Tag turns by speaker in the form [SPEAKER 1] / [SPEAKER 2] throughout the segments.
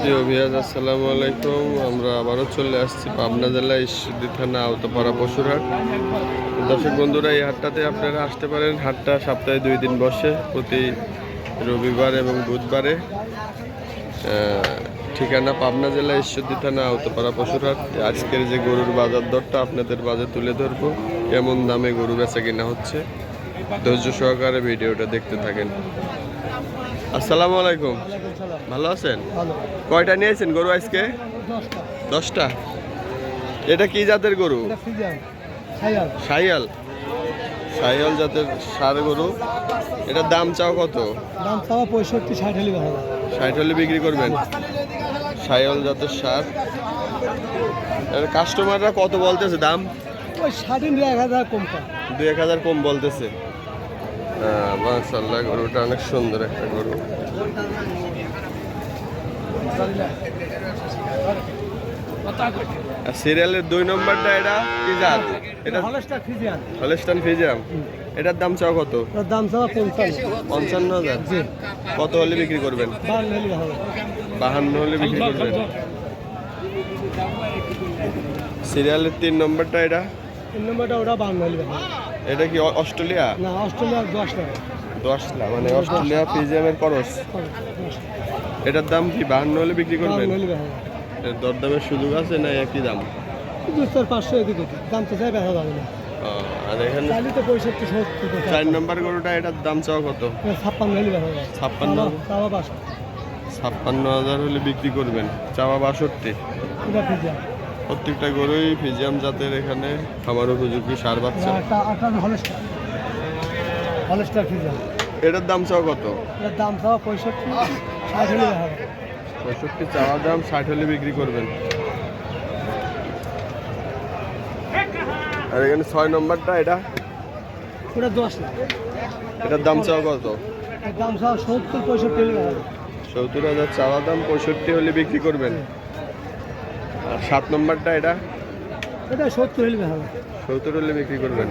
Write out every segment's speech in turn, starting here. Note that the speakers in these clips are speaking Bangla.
[SPEAKER 1] প্রিয় ভিউয়ার্স, আসসালামু আলাইকুম। আমরা আবারও চলে আসছি পাবনা জেলা ঈশ্বরদী থানা আওতাপাড়া পশুরহাট। দর্শক বন্ধুরা, এই হাটটাতে আপনারা আসতে পারেন। হাটটা সপ্তাহে 2 দিন বসে, প্রতি রবিবার এবং বুধবারে। ঠিকানা পাবনা জেলা ঈশ্বরদী থানা আওতাপাড়া পশুরহাট। আজকের যে গরুর বাজার দরটা আপনাদের বাজারে তুলে ধরবো, কেমন দামে গরু বেচা কিনা হচ্ছে, ধৈর্য সহকারে ভিডিওটা দেখতে থাকেন। আসসালামু আলাইকুম, ভালো আছেন? কয়টা নিয়েছেন গরু আজকে? 10টা। এটা কি জাতের গরু? শাহিয়াল। শাহিয়াল জাতের ষাঁড় গরু। এটার দাম চাও কত?
[SPEAKER 2] দাম চাওয়া 65-60 হলে ভালো।
[SPEAKER 1] 60 হলে বিক্রি করবেন। শাহিয়াল জাতের ষাঁড়। এর কাস্টমাররা কত বলতেছে দাম?
[SPEAKER 2] ওই 60-1000 কম পায়।
[SPEAKER 1] 2-1000 কম বলতেছে। মাশাআল্লাহ, গরুটা অনেক সুন্দর একটা গরু। সিরিয়ালের 2 নম্বরটা এটা কি জাত? এটা
[SPEAKER 2] হলস্টার ফ্রিজিয়ান।
[SPEAKER 1] Holstein Friesian. এটার দাম চাও কত?
[SPEAKER 2] এর দাম চাওয়া
[SPEAKER 1] 55,000।
[SPEAKER 2] জি।
[SPEAKER 1] কত হলে বিক্রি করবেন?
[SPEAKER 2] 52 হলে ভালো।
[SPEAKER 1] 52 হলে বিক্রি করবেন। সিরিয়ালের 3 নম্বরটা এটা?
[SPEAKER 2] 3 নম্বরটা ওটা 52 হলে ভালো।
[SPEAKER 1] এটা কি অস্ট্রেলিয়া?
[SPEAKER 2] না, অস্ট্রেলিয়ার 10 টাকা।
[SPEAKER 1] 10 লাখ, মানে অস্ট্রেলিয়া ফ্রিজিয়ামের খরচ। এটার দাম কি 52 হলে বিক্রি করবেন?
[SPEAKER 2] 52 হলে ভালো।
[SPEAKER 1] এর দরদামের সুযোগ আছে না একই দাম?
[SPEAKER 2] 200-500 এদিকে দাম তো চাই বেচা যাবে না।
[SPEAKER 1] আর এখানে
[SPEAKER 2] চাইলে তো 65-70
[SPEAKER 1] 4 নম্বর গরুটা, এটার দাম চাও কত?
[SPEAKER 2] 56 হলে বেচা যাবে।
[SPEAKER 1] 56।
[SPEAKER 2] চাওয়া 52।
[SPEAKER 1] 56,000 হলে বিক্রি করবেন। চাওয়া 62।
[SPEAKER 2] এটা ফ্রিজিয়ান।
[SPEAKER 1] প্রত্যেকটা গরুই ফিজিয়াম জাতের, এখানে খামার উপযোগী ষাঁড় বাচ্চা।
[SPEAKER 2] একটা হলস্টার। Holstein Friesian.
[SPEAKER 1] এটার দাম চাও কত?
[SPEAKER 2] এর দাম চাওয়া 65-60 হলে বেচা যাবে।
[SPEAKER 1] 65 চাওয়া দাম, 60 হলে বিক্রি করবেন। আর এখানে 6 নম্বরটা, এটা
[SPEAKER 2] ওটা 10 লাখ।
[SPEAKER 1] এটার দাম চাও কত?
[SPEAKER 2] এর দাম চাওয়া 70-65 হলে বেচা যাবে।
[SPEAKER 1] 70,000 চাওয়া দাম, 65 হলে বিক্রি করবেন। আর 7 নম্বরটা, এটা
[SPEAKER 2] এটা 70 হলে বেচা যাবে।
[SPEAKER 1] 70 হলে বিক্রি করবেন।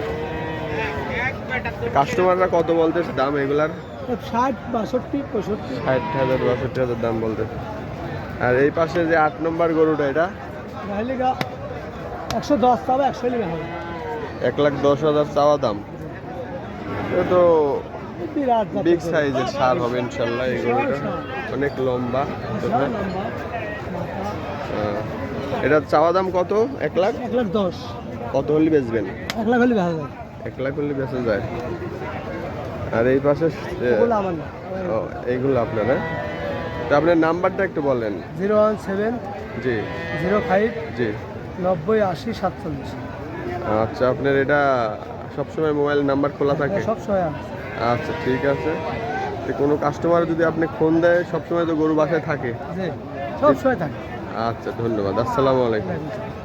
[SPEAKER 1] কাস্টমাররা কত বলতেছে দাম এগুলার?
[SPEAKER 2] 60, 62, 65।
[SPEAKER 1] 60,000, 62,000 দাম বলতেছে। আর এই পাশে যে 8 নম্বর গরুটা, এটা
[SPEAKER 2] নাহলে 110 চাওয়া 100 হলে বেচা যাবে।
[SPEAKER 1] 1,10,000 চাওয়া দাম। এটা তো
[SPEAKER 2] বিরাট জাতের
[SPEAKER 1] বিগ
[SPEAKER 2] গরু।
[SPEAKER 1] সাইজের ষাঁড় হবে ইনশাল্লাহ। এই গরুটা অনেক লম্বা।
[SPEAKER 2] বিশাল লম্বা, মাথা।
[SPEAKER 1] এটার চাওয়া দাম কত? 1 লাখ।
[SPEAKER 2] 1,10,000।
[SPEAKER 1] কত হলে বেচবেন?
[SPEAKER 2] 1 লাখ হলে বেচা যাবে।
[SPEAKER 1] 1 লাখ হলে বেচা যায়। আর এই পাশে
[SPEAKER 2] ওগুলো আমার না।
[SPEAKER 1] এইগুলো আপনার, হ্যাঁ? তো আপনার নাম্বারটা একটু বলেন।
[SPEAKER 2] 017
[SPEAKER 1] জি
[SPEAKER 2] 05
[SPEAKER 1] জি
[SPEAKER 2] 90 80 47।
[SPEAKER 1] আচ্ছা, আপনার এটা সবসময় মোবাইল নাম্বার খোলা থাকে?
[SPEAKER 2] সব সময় আছে।
[SPEAKER 1] আচ্ছা, ঠিক আছে। তো কোনো কাস্টমার যদি আপনি ফোন দেয়, সবসময় তো গরু বাসায় থাকে?
[SPEAKER 2] জি, সব সময় থাকে।
[SPEAKER 1] আচ্ছা, ধন্যবাদ। আসসালামু আলাইকুম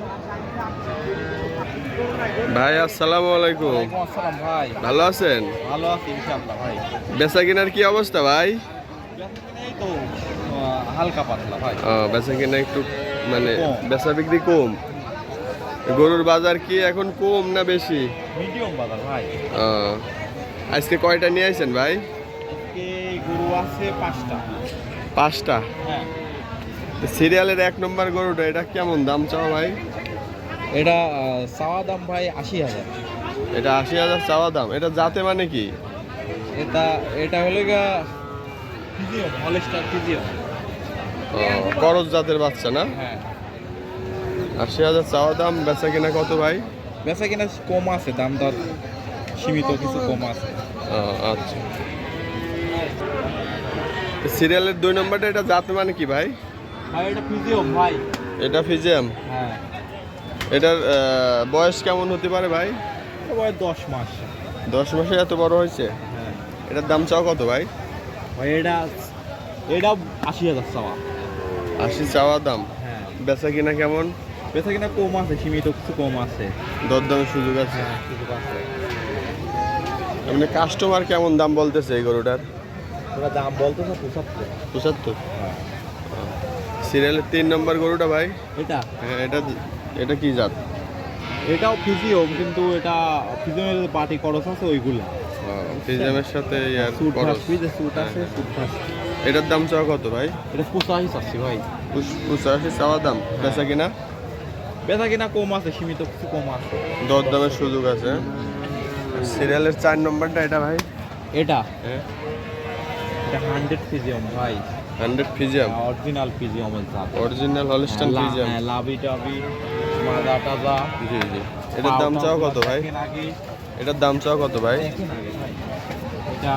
[SPEAKER 1] ভাই। আসসালামু আলাইকুম।
[SPEAKER 2] আসসালাম ভাই।
[SPEAKER 1] ভালো আছেন?
[SPEAKER 2] ভালো আছি ইনশাআল্লাহ ভাই।
[SPEAKER 1] বেচা কিনার কি অবস্থা ভাই?
[SPEAKER 2] এই তো হালকা পাতলা ভাই।
[SPEAKER 1] বেচা কিনা একটু মানে বেচা বিক্রি কম। গরুর বাজার কি এখন কম না বেশি?
[SPEAKER 2] মিডিয়াম বাজার ভাই।
[SPEAKER 1] আজকে কয়টা নিয়ে আসেন ভাই?
[SPEAKER 2] আজকে গরু আছে 5টা।
[SPEAKER 1] 5টা?
[SPEAKER 2] হ্যাঁ।
[SPEAKER 1] সিরিয়ালের 1 নম্বর গরুটা, এটা কেমন দাম চাও ভাই?
[SPEAKER 2] এটা চাওয়া দাম ভাই 80,000।
[SPEAKER 1] এটা 80,000 চাওয়া দাম। এটা জাতে মানে কি?
[SPEAKER 2] এটা হলো গা ফিজিয়াম, হলস্টার ফিজিয়াম।
[SPEAKER 1] করজ জাতের বাচ্চা না?
[SPEAKER 2] হ্যাঁ।
[SPEAKER 1] 80,000 চাওয়া দাম, বেচা কিনা কত ভাই?
[SPEAKER 2] বেচা কিনা কম আছে, দাম দর সীমিত, কিছু কম আছে।
[SPEAKER 1] আচ্ছা। সিরিয়ালের 2 নম্বরটা, এটা জাত মানে কি ভাই?
[SPEAKER 2] ভাই এটা ফিজিয়াম ভাই।
[SPEAKER 1] এটা ফিজিয়াম।
[SPEAKER 2] হ্যাঁ।
[SPEAKER 1] এটার বয়স কেমন হতে পারে ভাই?
[SPEAKER 2] বয়স 10 মাস।
[SPEAKER 1] 10 মাসে এত বড় হয়েছে?
[SPEAKER 2] হ্যাঁ।
[SPEAKER 1] এটার দাম চাও কত ভাই?
[SPEAKER 2] ভাই এটা 80,000 চাওয়া।
[SPEAKER 1] 80 চাওয়া দাম।
[SPEAKER 2] হ্যাঁ।
[SPEAKER 1] বেচা কিনা কেমন?
[SPEAKER 2] বেচা কিনা কম আছে, সীমিত কিছু কম আছে।
[SPEAKER 1] দরদামের সুযোগ আছে?
[SPEAKER 2] সুযোগ আছে।
[SPEAKER 1] আপনি কাস্টমার কেমন দাম বলতেছে এই গরুটার?
[SPEAKER 2] ওরা দাম বলতেছে 75।
[SPEAKER 1] 75?
[SPEAKER 2] হ্যাঁ।
[SPEAKER 1] সিরিয়ালের 3 নম্বর গরুটা ভাই?
[SPEAKER 2] এটা
[SPEAKER 1] হ্যাঁ, এটা এটা কি জাত?
[SPEAKER 2] এটাও ফিজিওম, কিন্তু এটা ফিজিওমের পার্টি খরচ আছে ওইগুলো।
[SPEAKER 1] ফিজিয়ামের সাথে ইয়ার
[SPEAKER 2] স্যুট
[SPEAKER 1] খরচ।
[SPEAKER 2] থাকবে, যে স্যুট আছে স্যুট থাকবে।
[SPEAKER 1] এটার দাম চাওয়া কত ভাই?
[SPEAKER 2] এটা 85 চাচ্ছি ভাই।
[SPEAKER 1] 85 চাওয়া দাম, বেচা কিনা?
[SPEAKER 2] বেচা কিনা কম আছে, সীমিত কিছু কম আছে।
[SPEAKER 1] দর দামের সুযোগ আছে। সিরিয়ালের 4 নম্বরটা এটা ভাই?
[SPEAKER 2] এটা
[SPEAKER 1] হ্যাঁ,
[SPEAKER 2] এটা 100 ফিজিওম ভাই,
[SPEAKER 1] 100 ফিজিয়াম,
[SPEAKER 2] অরিজিনাল ফিজিওমের জাত।
[SPEAKER 1] Original Holstein Friesian.
[SPEAKER 2] হ্যাঁ, লাভি টাভি মাজা টাজা।
[SPEAKER 1] জি জি। এটার দাম চাওয়া কত ভাই? এটার দাম চাওয়া কত ভাই?
[SPEAKER 2] এটা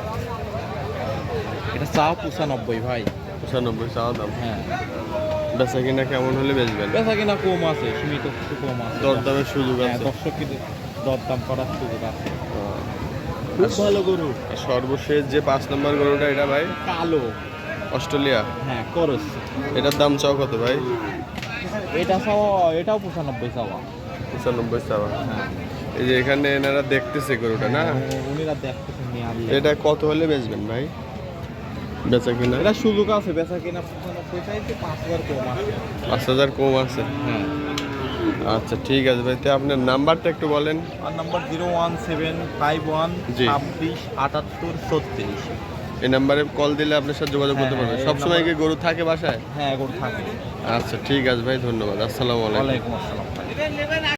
[SPEAKER 2] এটা চাও 95 ভাই।
[SPEAKER 1] 95 চাওয়া দাম।
[SPEAKER 2] হ্যাঁ,
[SPEAKER 1] বেচা কিনা কেমন হলে বেচবেন?
[SPEAKER 2] বেচা কিনা কম আছে, সীমিত কিছু কম আছে।
[SPEAKER 1] দর দামের সুযোগ
[SPEAKER 2] হ্যাঁ,
[SPEAKER 1] আছে।
[SPEAKER 2] দর্শক কিন্তু দরদাম করার সুযোগ আছে। খুব ভালো গরু।
[SPEAKER 1] আর সর্বশেষ যে 5 নম্বর গরুটা এটা ভাই?
[SPEAKER 2] কালো,
[SPEAKER 1] অস্ট্রেলিয়া।
[SPEAKER 2] হ্যাঁ করস।
[SPEAKER 1] এটার দাম চাওয়া কত ভাই?
[SPEAKER 2] এটা চাওয়া, এটাও 95 চাওয়া।
[SPEAKER 1] 95 চাওয়া।
[SPEAKER 2] হ্যাঁ,
[SPEAKER 1] এই যে এখানে এনারা দেখতেছে গরুটা না,
[SPEAKER 2] উনিরা দেখতেছেন নিয়ে আনলে।
[SPEAKER 1] এটা কত হলে বেচবেন ভাই? বেচা কিনা
[SPEAKER 2] এটা সুযোগ আছে, বেচা কিনা 95 চাইতে 5000 কম আছে।
[SPEAKER 1] 5000 কম আছে।
[SPEAKER 2] হ্যাঁ,
[SPEAKER 1] আচ্ছা ঠিক আছে ভাই, তো আপনার নাম্বারটা একটু বলেন।
[SPEAKER 2] আর নাম্বার 01751
[SPEAKER 1] জি।
[SPEAKER 2] 26 78 36।
[SPEAKER 1] এই নাম্বারে কল দিলে আপনার সাথে যোগাযোগ করতে
[SPEAKER 2] হ্যাঁ,
[SPEAKER 1] পারবেন।
[SPEAKER 2] এই
[SPEAKER 1] সবসময় কি
[SPEAKER 2] নাম্বার-
[SPEAKER 1] গরু থাকে বাসায়?
[SPEAKER 2] হ্যাঁ, গরু থাকে।
[SPEAKER 1] আচ্ছা ঠিক আছে ভাই, ধন্যবাদ। আসসালামু আলাইকুম।
[SPEAKER 2] ওয়ালাইকুম আসসালাম ভাই।